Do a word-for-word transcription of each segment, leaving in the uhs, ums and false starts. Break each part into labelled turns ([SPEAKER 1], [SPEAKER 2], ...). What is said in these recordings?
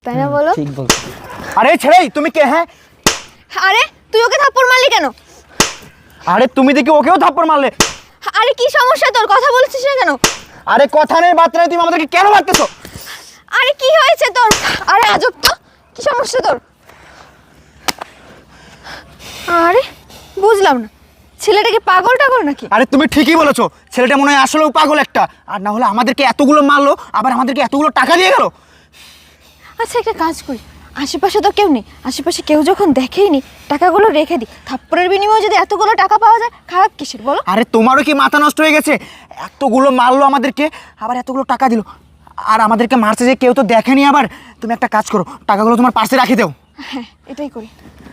[SPEAKER 1] তাই না বলো?
[SPEAKER 2] ঠিক বলছো। আরে ছেড়ে তুমি কে? হ্যাঁ
[SPEAKER 1] আরে তুই ওকে থাপ্পড় মারলি কেন?
[SPEAKER 2] আরে তুমি দেখি ওকেও থাপ্পড় মারলে।
[SPEAKER 1] আরে কি সমস্যা তোর? কথা বলছিস না কেন?
[SPEAKER 2] আরে কথা নেই বার্তা নেই, তুমি আমাদেরকে কেন মারতেছো?
[SPEAKER 1] আরে কি হয়েছে তোর? আরে আজব তো, কি সমস্যা তোর? আরে বুঝলাম না, ছেলেটাকে পাগল টাগল নাকি?
[SPEAKER 2] আরে তুমি ঠিকই বলেছো, ছেলেটা মনে হয় আসলেও পাগল একটা, আর না হলে আমাদেরকে এতগুলো মারলো, আবার আমাদেরকে এতগুলো টাকা দিয়ে গেল।
[SPEAKER 1] আচ্ছা একটা কাজ করি, আশেপাশে তো কেউ নেই, আশেপাশে কেউ যখন দেখেইনি টাকাগুলো রেখে দিই, থাপ্পড়ের বিনিময়ে যদি এতগুলো টাকা পাওয়া যায় খারাপ কিসের বলো?
[SPEAKER 2] আরে তোমারও কি মাথা নষ্ট হয়ে গেছে? এতগুলো মারলো আমাদেরকে, আবার এতগুলো টাকা দিল, আর আমাদেরকে মারছে যে কেউ তো দেখেনি। আবার তুমি একটা কাজ করো, টাকাগুলো তোমার পাশে রাখি দাও।
[SPEAKER 1] হ্যাঁ এটাই করি।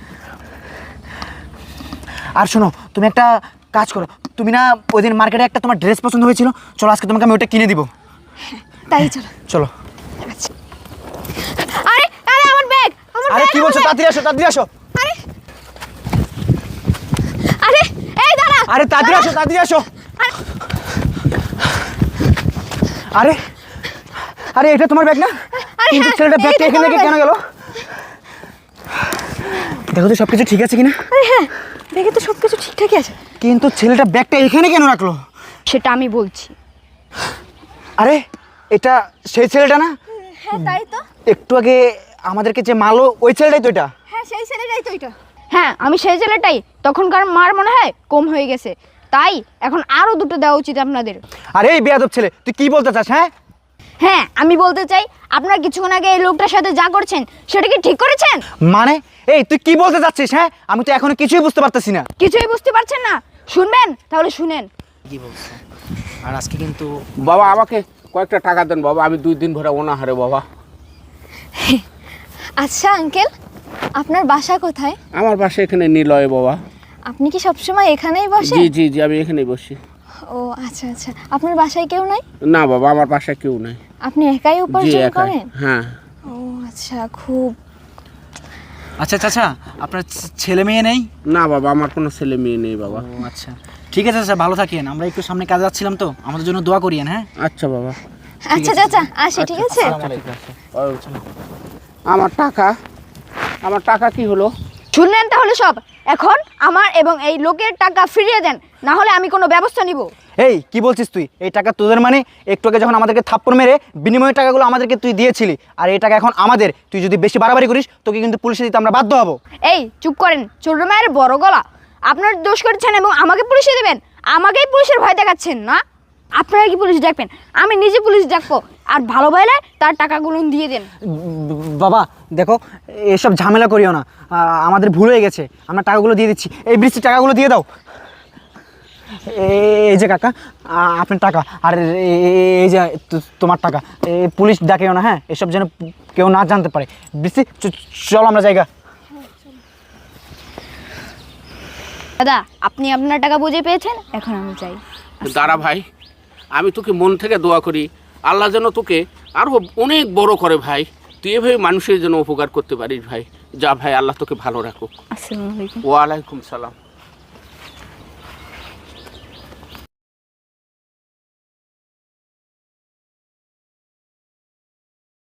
[SPEAKER 2] আর শোনো, তুমি একটা কাজ করো, তুমি না ওই দিন মার্কেটে একটা তোমার ড্রেস পছন্দ হয়েছিল, চলো আজকে তোমাকে আমি ওটা কিনে দিব।
[SPEAKER 1] তাই চলো
[SPEAKER 2] চলো।
[SPEAKER 1] আচ্ছা। আরে আরে আমার ব্যাগ, আমার
[SPEAKER 2] আরে
[SPEAKER 1] ব্যাগ,
[SPEAKER 2] কি
[SPEAKER 1] আমার
[SPEAKER 2] বলছো?
[SPEAKER 1] ব্যাগ।
[SPEAKER 2] তাড়াতাড়ি আসো, তাড়াতাড়ি আসো।
[SPEAKER 1] আরে আরে এই দাঁড়া।
[SPEAKER 2] আরে তাড়াতাড়ি আসো, তাড়াতাড়ি আসো। আরে আরে এটা তোমার ব্যাগ না?
[SPEAKER 1] আরে
[SPEAKER 2] কিন্তু
[SPEAKER 1] হ্যাঁ,
[SPEAKER 2] ছেলেটা ব্যাগটা
[SPEAKER 1] এইটা
[SPEAKER 2] এখানে
[SPEAKER 1] আমার
[SPEAKER 2] রেখে কেন
[SPEAKER 1] ব্যাগ।
[SPEAKER 2] গেল? দেখো তো সবকিছু ঠিক আছে কিনা।
[SPEAKER 1] আরে হ্যাঁ, ব্যাগে তো সব কিছু ঠিকঠাকই আছে।
[SPEAKER 2] কিন্তু ছেলেটা ব্যাগটা এখানে কেন রাখলো?
[SPEAKER 3] সেটা আমি বলছি।
[SPEAKER 2] আরে এটা সেই ছেলেটা না?
[SPEAKER 1] হ্যাঁ তাই তো।
[SPEAKER 2] একটু আগে আমাদেরকে যে মারলো ওই ছেলেটাই তো এটা।
[SPEAKER 1] হ্যাঁ সেই ছেলেটাই তো এটা।
[SPEAKER 3] হ্যাঁ আমি সেই ছেলেটাই। তখনকার মার মনে হয় কম হয়ে গেছে, তাই এখন আরও দুটো দেওয়া উচিত আপনাদের।
[SPEAKER 2] আরে এই বেয়াদব ছেলে, তুই কি বলতে চাস? হ্যাঁ
[SPEAKER 3] হ্যাঁ আমি বলতে চাই, আপনারা কিছুক্ষণ আগে এই লোকটার সাথে যা করছেন সেটা কি ঠিক করেছেন?
[SPEAKER 2] মানে এই তুই কি বলতে চাচ্ছিস? হ্যাঁ আমি তো এখনো কিছুই বুঝতে পারতেছি না।
[SPEAKER 3] কিছুই বুঝতে পারছেন না? শুনবেন তাহলে শুনেন।
[SPEAKER 4] কি বলছো? আর আজকে কিন্তু
[SPEAKER 5] বাবা আমাকে কয়েকটা টাকা দেন বাবা, আমি দুই দিন ধরে অনাহারে বাবা।
[SPEAKER 1] আচ্ছা আঙ্কেল, আপনার বাসা কোথায়?
[SPEAKER 5] আমার বাসা এখানে নিলয় বাবা।
[SPEAKER 1] আপনি কি সবসময় এখানেই বসেন?
[SPEAKER 5] জি জি জি আমি এখানেই বসি।
[SPEAKER 1] ও আচ্ছা আচ্ছা, আপনার বাসায় কেউ নাই?
[SPEAKER 5] না বাবা আমার বাসায় কেউ নাই।
[SPEAKER 1] আপনি একাই
[SPEAKER 5] জি
[SPEAKER 1] উপার্জন
[SPEAKER 5] একাই।
[SPEAKER 1] করেন?
[SPEAKER 5] হ্যাঁ
[SPEAKER 1] ও আচ্ছা, খুব
[SPEAKER 4] আচ্ছা চাচা, আপনার ছে- ছেলে মেয়ে নেই?
[SPEAKER 5] না বাবা আমার কোনো ছেলে মেয়ে নেই বাবা।
[SPEAKER 4] ও আচ্ছা, ঠিক আছে চাচা, ভালো থাকেন। আমরা একটু সামনে কাজে যাচ্ছিলাম তো, আমাদের জন্য দোয়া করিয়েন। হ্যাঁ
[SPEAKER 5] আচ্ছা বাবা।
[SPEAKER 1] আচ্ছা চাচা আসি, ঠিক আছে?
[SPEAKER 5] আমার টাকা, আমার টাকা কি হলো?
[SPEAKER 3] শুনলেন তাহলে সব? এখন আমার এবং এই লোকের টাকা ফিরিয়ে দেন, না হলে আমি কোনো ব্যবস্থা নিব।
[SPEAKER 2] এই কি বলছিস তুই? এই টাকা তোদের মানে? একটু আগে যখন আমাদেরকে থাপ্পড় মেরে বিনিময়ের টাকাগুলো আমাদেরকে তুই দিয়েছিলি, আর এই টাকা এখন আমাদের। তুই যদি বেশি বাড়াবাড়ি করিস তোকে কিন্তু পুলিশে দিতে আমরা বাধ্য হব।
[SPEAKER 3] এই চুপ করেন, ছোট মায়ের বড় গলা। আপনার দোষ করছেন এবং আমাকে পুলিশে দেবেন, আমাকেই পুলিশের ভয় দেখাচ্ছেন না? আপনারা কি পুলিশ ডাকবেন? আমি নিজে পুলিশ ডাকবো, আর ভালো ভাইলে তার টাকাগুলো দিয়ে দেন।
[SPEAKER 2] বাবা দেখো, এসব ঝামেলা করিও না, আ- আমাদের ভুল হয়ে গেছে। আমরা টাকাগুলো দিয়ে দিচ্ছি। এই বৃষ্টির টাকাগুলো দিয়ে দাও। এ- এই যে কাকা, আ- আপনার টাকা, আর এ- এ- এই যে তো- তোমার টাকা। এই পুলিশ ডাকেও না, হ্যাঁ এসব যেন কেউ না জানতে পারে। বৃষ্টি চ- চলো আমরা জায়গা।
[SPEAKER 3] দাদা আপনি আপনার টাকা বুঝে পেয়েছেন, এখন আমি চাই।
[SPEAKER 5] দাঁড়া ভাই, আমি তোকে মন থেকে দোয়া করি আল্লাহ যেন তোকে আরও অনেক বড় করে ভাই। তুই এভাবে মানুষের জন্য উপকার করতে পারিস ভাই। যা ভাই, আল্লাহ তোকে ভালো রাখুক।
[SPEAKER 3] আসসালামু আলাইকুম।
[SPEAKER 5] ওয়ালাইকুম সালাম।